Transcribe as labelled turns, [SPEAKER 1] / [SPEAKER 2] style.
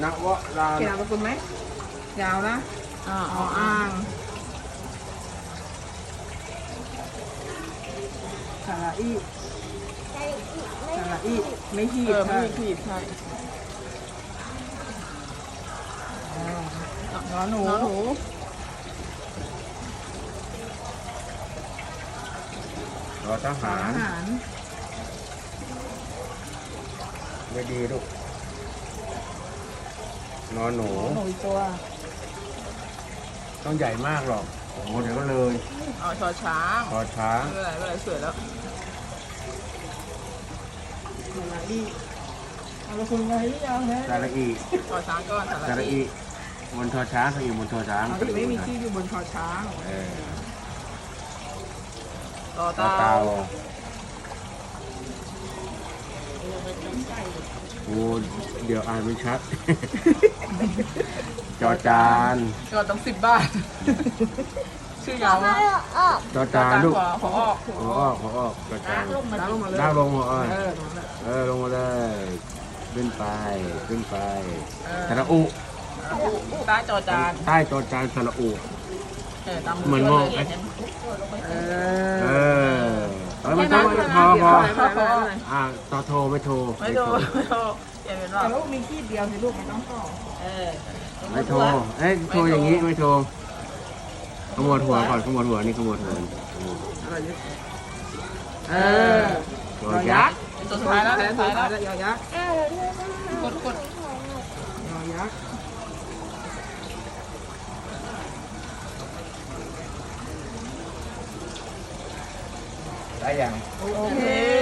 [SPEAKER 1] นวรา
[SPEAKER 2] เขียนนามสกุลไหมยาวนะอ่างสระอีสระอีไม่ขีด
[SPEAKER 3] ไม่มีขีดใช่
[SPEAKER 2] นอนหนู
[SPEAKER 3] น้องหนู
[SPEAKER 1] รอทหาร
[SPEAKER 2] อาหาร
[SPEAKER 1] ไม่ดีลูกนอนหนู
[SPEAKER 2] หนูอีกตัว
[SPEAKER 1] ต้องใหญ่มากหรอกโอ้โหเดี๋ยวก็เลย
[SPEAKER 3] อ๋อชอช้าง
[SPEAKER 1] คอช้าง
[SPEAKER 3] ไม่เป็นไรสวยแล้ว
[SPEAKER 2] สระอีเอาละคุณไงหรือยังฮะ
[SPEAKER 1] สระอี
[SPEAKER 3] ชอช้างก่อน
[SPEAKER 1] สระอีบนทอช้างสระอีบนทอช้าง
[SPEAKER 2] สระอีไม่มีที่อยู่บนคอช้าง
[SPEAKER 1] เออ
[SPEAKER 3] ต่อ
[SPEAKER 1] ต่อ
[SPEAKER 3] เตา
[SPEAKER 1] เตาโอ้เดี๋ยวอ่านไม่ชัด จอจาน
[SPEAKER 3] ก็ต้อง10 บาท ชื่อยาวมาก
[SPEAKER 1] จอจานลูก
[SPEAKER 3] ขอออก
[SPEAKER 1] ขอออกขอออกจอจาน
[SPEAKER 2] ลงมาเลย
[SPEAKER 1] ลากลงหัวอ้อย
[SPEAKER 2] ตรงนั้นแหละ
[SPEAKER 1] ลงมาเลยขึ้นไปขึ้นไป
[SPEAKER 3] เออ
[SPEAKER 1] สระอุ
[SPEAKER 3] ใต้จอจาน
[SPEAKER 1] ใต้จอจานสระอุ
[SPEAKER 3] ตาม
[SPEAKER 1] เหมือนมอง
[SPEAKER 3] เห็น
[SPEAKER 2] เอ
[SPEAKER 1] เอ
[SPEAKER 2] อ
[SPEAKER 1] อไม่ต้องพอพอ ต่อโทรไม่โทร
[SPEAKER 3] ไม่โดนไม่โดนเห็นเป็นว่า
[SPEAKER 2] แต่ลูกมีขีดเดียวสิลูกไม่ต้องต่อ
[SPEAKER 1] ไม่โทรเอ้ยโทรอย่างนี้ไม่โทรขมวดหัวก่อนขมวดหัวนี่ขมวดหัว
[SPEAKER 2] อะไรเยอะเออ
[SPEAKER 1] ตัวยยักษ์
[SPEAKER 3] ตัวสุดท้ายแล้วตัวสุดท้ายแล้ว
[SPEAKER 2] ยอยักษ์
[SPEAKER 3] กด
[SPEAKER 2] ยอยักษ์
[SPEAKER 1] ได้ยัง
[SPEAKER 2] โอเค